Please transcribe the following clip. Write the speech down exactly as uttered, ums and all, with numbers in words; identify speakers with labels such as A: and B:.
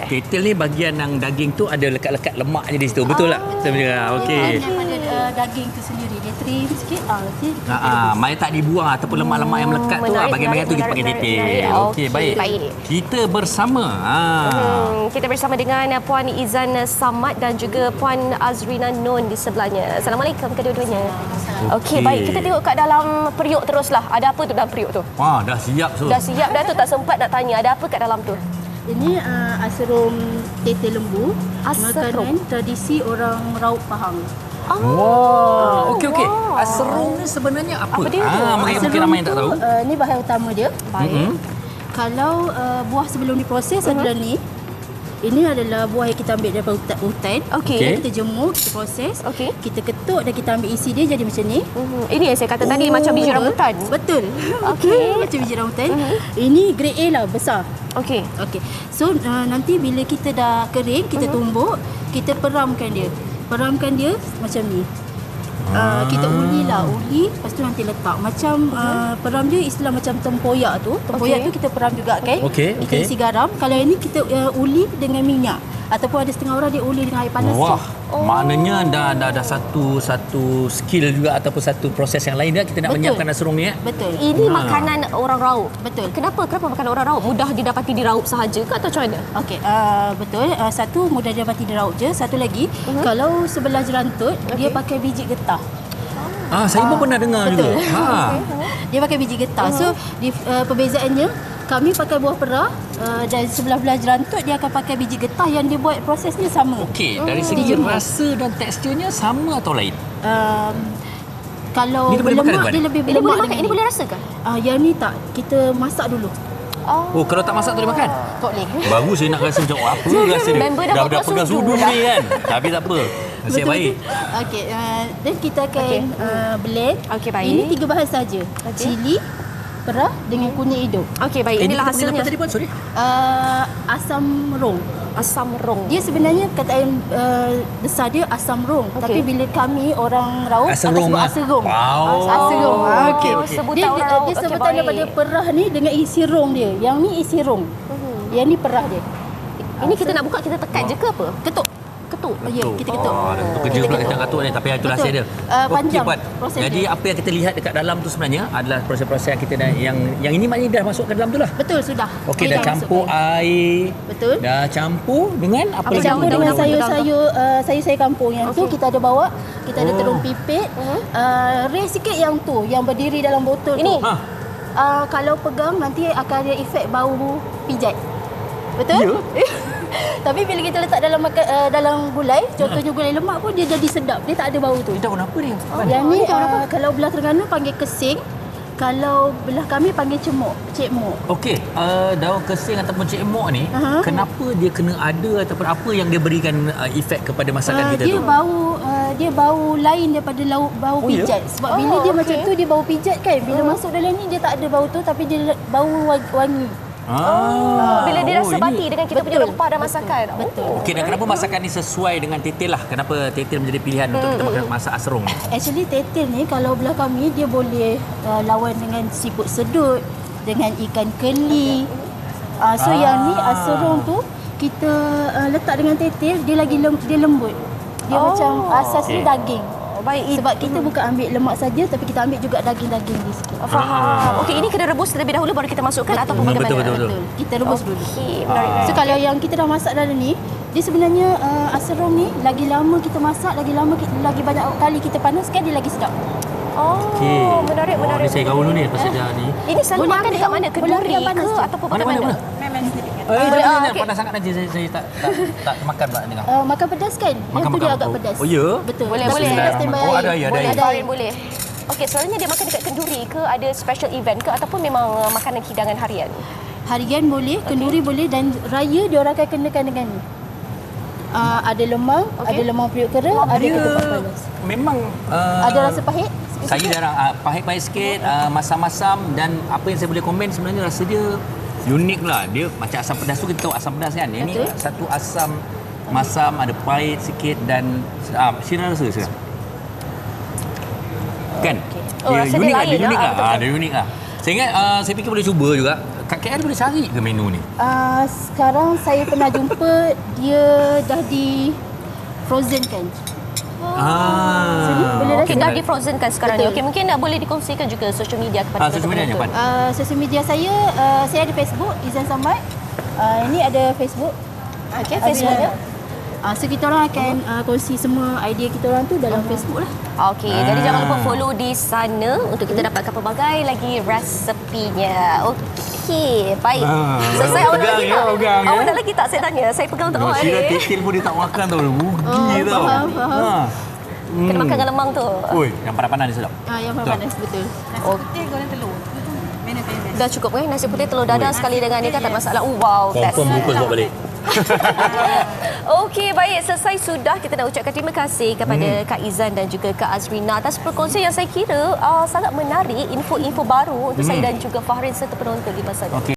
A: tetel ni bahagian yang daging tu ada lekat-lekat lemak je di situ. Betul tak? Sebenarnya. Okey.
B: Dia pada uh, daging tu sendiri. Dia trim sikit. Ah, nanti
A: Ha ah, mai tak dibuang ataupun lemak-lemak yang melekat tu ah, bahagian-bahagian tu kita panggil tetel. Okey, baik.
C: baik.
A: Kita bersama. Ha.
C: Hmm, kita bersama dengan Puan Izan Samad dan juga Puan Azrina Nun di sebelahnya. Assalamualaikum kedua-duanya. Okey,
A: Okey.
C: baik. Kita tengok kat dalam periuk teruslah. Ada apa tu dalam periuk tu?
A: Wah, dah siap so.
C: Dah siap dah tu, tak sempat nak tanya. Ada apa kat dalam tu?
B: Ini uh, aserum tetel lembu.
C: Aserum.
B: Makanan tradisi orang Raub Pahang.
C: Oh,
A: Wah, okey okey.
C: wow.
A: Aserung ni sebenarnya apa?
C: Apa dia tu?
A: Ah, mungkin mungkin ramai yang tak tahu.
B: Uh, ni bahan utama dia.
C: Baik.
A: Mm-hmm.
B: Kalau uh, buah sebelum diproses uh-huh. adalah ni. Ini adalah buah yang kita ambil daripada hutan. hutan.
C: Okey.
A: Okey.
B: Kita jemur, kita proses.
C: Okey.
B: Kita ketuk dan kita ambil isi dia jadi macam ni.
C: Mhm. Ini yang saya kata tadi macam biji rambutan.
B: Betul.
C: Okey.
B: Macam biji rambutan. Ini grade A lah, besar.
C: Okey.
B: Okey. So uh, nanti bila kita dah kering, kita tumbuk, kita peramkan dia. Peramkan dia macam ni. Uh, kita uli lah, uli, lepas tu nanti letak. Macam uh, peram dia istilah macam tempoyak tu. Tempoyak
C: Okey.
B: tu kita peram juga kan.
A: Okey,
B: Kita
A: okey.
B: isi garam. Kalau yang ni kita uh, uli dengan minyak. Ataupun ada setengah orang dia uli dengan air panas.
A: Wah,
B: je.
A: oh. maknanya dah dah dah satu satu skill juga ataupun satu proses yang lain dah kita nak
B: Betul.
A: menyiapkan aserung ni eh.
B: Betul.
C: Ini
A: Ha.
C: makanan orang Raub.
B: Betul.
C: Kenapa? Kenapa makanan orang Raub? Mudah didapati di Raub sahaja ke atau macam mana?
B: Okey, uh, betul. Uh, satu mudah dapati di raut je. Satu lagi, uh-huh. kalau sebelah jerantut, okay. dia pakai biji getah.
A: Ah, saya pun pernah dengar
B: Betul.
A: juga. Ha.
B: Dia pakai biji getah. Uh-huh. So, di, uh, perbezaannya, kami pakai buah perah uh, dan sebelah-belah jerantut dia akan pakai biji getah yang dia buat prosesnya sama.
A: Okey, dari segi
B: Dijemur.
A: rasa dan teksturnya sama atau lain?
B: Um, kalau
A: Ini dia boleh makan,
B: berlemak,
A: Puan?
B: dia lebih
C: Ini
B: berlemak.
C: boleh makan?
B: dengan
C: Ini boleh rasakan?
B: Uh, yang ni tak. Kita masak dulu.
A: Oh, kalau tak masak tak boleh makan?
B: Tak boleh.
A: Baru saya nak rasa macam oh, apa rasa dia.
C: Member dah
A: dah,
C: buat
A: dah pegang
C: sudu
A: sudu
C: dah.
A: ni kan. Tapi tak apa. Nasib baik.
B: Okey, uh, dan kita akan
C: Okey.
B: uh, blend.
C: Okey, baik.
B: Ini tiga bahan saja.
C: Okey.
B: Cili, perah dengan kunyit hidup.
C: Okey, baik.
A: Eh,
C: Inilah
A: ni kita panggil
C: hasilnya.
A: apa tadi Puan? Sorry.
B: Uh, asam rong.
C: Asam rong.
B: Dia sebenarnya kataan uh, besar dia asam rong.
C: Okey.
B: Tapi bila kami orang Raub
A: Asam
B: akan
A: rong
B: sebut
A: ah.
B: asam rong.
A: Wow.
B: Asam rong. Ah, okey.
C: Oh, sebutan
B: Dia,
C: orang
B: dia,
C: Raub.
B: dia
C: Okey,
B: sebutan
C: baik.
B: daripada perah ni dengan isi rong dia. Yang ni isi rong. Yang ni perah dia.
C: Ini kita nak buka, kita tekan je ke apa?
B: Ketuk.
C: Ketuk.
B: Ya, kita ketuk.
A: Oh, dah ketuk kerja
B: Kita
A: pula
B: ketuk.
A: kita katuk ni tapi itu
B: Betul.
A: rahsia dia.
B: Uh, panjang
A: Puan.
B: proses
A: Jadi
B: dia.
A: apa yang kita lihat dekat dalam tu sebenarnya adalah proses-proses yang kita dah, yang yang ini maknanya dah masuk ke dalam tu lah.
B: Betul, sudah.
A: Okey,
B: Ini
A: dah
B: dah
A: campur
B: masukkan.
A: air.
B: Betul.
A: Dah campur dengan apa
C: Apa
A: lagi?
B: Campur
C: Daun,
B: dengan
C: daun,
B: sayur-sayur uh, sayur-sayur kampung yang tu
C: Okey.
B: kita ada bawa, kita ada
A: Oh.
B: terung pipit. Uh, rare sikit yang tu yang berdiri dalam botol
C: Ini?
B: tu.
A: Ha.
B: Uh, kalau pegang nanti akan ada efek bau pijat. Betul?
A: Ya.
B: Tapi bila kita letak dalam makan, uh, dalam gulai, contohnya gulai lemak pun dia jadi sedap. Dia tak ada bau tu.
A: Ini daun apa ni?
B: Oh, yang ni uh, kalau belah Terengganu panggil kesing, kalau belah kami panggil cemuk, cekmuk.
A: Okey, uh, daun kesing ataupun cekmok ni,
B: Aha.
A: kenapa dia kena ada ataupun apa yang dia berikan uh, efek kepada masakan
B: Uh,
A: kita
B: dia
A: tu?
B: bau uh, dia bau lain daripada lau, bau
A: Oh, ya?
B: pijat. Sebab bila
C: Oh,
B: dia
C: okey.
B: macam tu dia bau pijat kan. Bila masuk dalam ni dia tak ada bau tu tapi dia le- bau wa- wangi.
A: Ah,
C: Bila dia rasa
A: oh,
C: bati
A: ini.
C: dengan kita punya
B: Betul.
C: rempah dan masakan.
B: Betul.
A: Okey, dan kenapa masakan ni sesuai dengan tetel lah? Kenapa tetel menjadi pilihan untuk kita makan masak aserung?
B: Actually tetel ni kalau belah kami dia boleh uh, lawan dengan siput sedut, dengan ikan keli. Uh, so
A: Ah.
B: yang ni aserong tu kita uh, letak dengan tetel dia lagi lem, dia lembut. Dia
C: Oh.
B: macam asas
A: Okey.
B: dia daging.
C: Oh, baik.
B: Sebab kita bukan ambil lemak saja tapi kita ambil juga daging-daging di sikit.
C: Faham. Okey, ini kena rebus terlebih dahulu baru kita masukkan ataupun
A: Betul,
C: bagaimana?
A: betul, betul.
B: Kita rebus dulu.
C: Okey, menarik.
B: So kalau yang kita dah masak dalam ni, dia sebenarnya uh, aserong ni lagi lama kita masak, lagi lama kita, lagi banyak kali kita panaskan dia lagi sedap.
C: Oh,
A: Okey.
C: menarik,
A: Oh,
C: menarik.
A: ni saya kawan dulu ni pasal dah ni.
C: Ini selalu
B: Boleh
C: makan
B: ambil
C: dekat
B: yang-
C: mana?
B: boleh
C: Kenduri
B: ambil yang panas
C: ke
B: tu.
C: ataupun
A: Mana,
C: bagaimana?
A: mana, mana?
B: Memang sedikit.
A: Eh, jangan,
C: ah,
A: jangan.
C: okey.
A: Panas sangat nanti saya, saya tak, tak, tak makan pula ni.
B: Uh, makan pedas kan? Yang
A: Makan,
B: tu dia
A: makan.
B: agak
A: Oh,
B: pedas.
A: oh, ya?
B: Betul.
C: Boleh,
B: Tapi
C: boleh.
B: kita dah standby
A: Oh,
B: air.
A: ada air, ada
C: Boleh,
A: air.
B: Ada air.
C: Farin boleh. Okey, selalunya dia makan dekat kenduri ke ada special event ke ataupun memang uh, makanan hidangan harian?
B: Harian boleh, kenduri boleh dan raya dia orang akan kenakan dengan ni. Uh, ada lemang,
C: Okey.
B: ada lemang periuk kera, ada
A: Dia
B: ketupat panas.
A: memang uh,
B: Ada rasa pahit?
A: saya jarang uh, pahit-pahit sikit, uh, masam-masam dan apa yang saya boleh komen sebenarnya rasa dia unik lah. Dia macam asam pedas tu kita tahu asam pedas kan. Ini
B: Betul.
A: satu asam masam, ada pahit sikit dan ah, Syirah rasa sekarang. Kan?
C: Oh, rasa dia
A: unik lah,
C: lain
A: dia unik
C: lah.
A: lah.
C: Ah,
A: Ah, dia unik lah. Saya ingat uh, saya fikir boleh cuba juga kat K L boleh cari ke menu ni?
B: Uh, sekarang saya pernah jumpa dia dah di frozen kan.
A: Ah.
B: boleh
C: Okey, dah di frozen kan sekarang
B: Betul.
C: ni. Okey, mungkin nak boleh dikongsikan juga social media kepada
A: Ah, social media
C: penonton.
A: Pan.
B: Uh, social media saya, uh, saya ada Facebook, Izan Samad. Uh, ini ada Facebook.
C: Okey, Facebooknya.
B: Uh, so kita orang akan uh, kongsi semua idea kita orang tu dalam Facebook lah.
C: Okey, ah. jadi jangan lupa follow di sana untuk kita dapatkan pelbagai lagi resepinya. Okey, baik.
A: Ah,
C: Selesai awak nak
A: pegang
C: lagi
A: ya,
C: tak?
A: pegang ya.
C: Awak nak lagi tak saya tanya? Saya pegang untuk
A: Oh,
C: awak
A: Syirah
C: ni.
A: titil pun dia tak makan tau. Rugi
B: Oh,
A: tau.
B: faham, faham.
A: Ha.
C: Kena makan dengan lemang tu.
A: Oi, yang panas-panas ni sedap.
B: Uh, yang
A: Betul.
B: panas betul.
C: Oh. Dah cukup kan? Nasi putih telur dadah sekali dengan ni kan tak ada masalah. Oh, wow, best.
A: Confirm bungkus bawa balik.
C: Okey, baik. Selesai sudah. Kita nak ucapkan terima kasih kepada
A: Hmm.
C: Kak Izan dan juga Kak Azrina atas perkongsian yang saya kira uh, sangat menarik, info-info baru untuk
A: Hmm.
C: saya dan juga Fahrin serta penonton di masa depan.
A: Okey.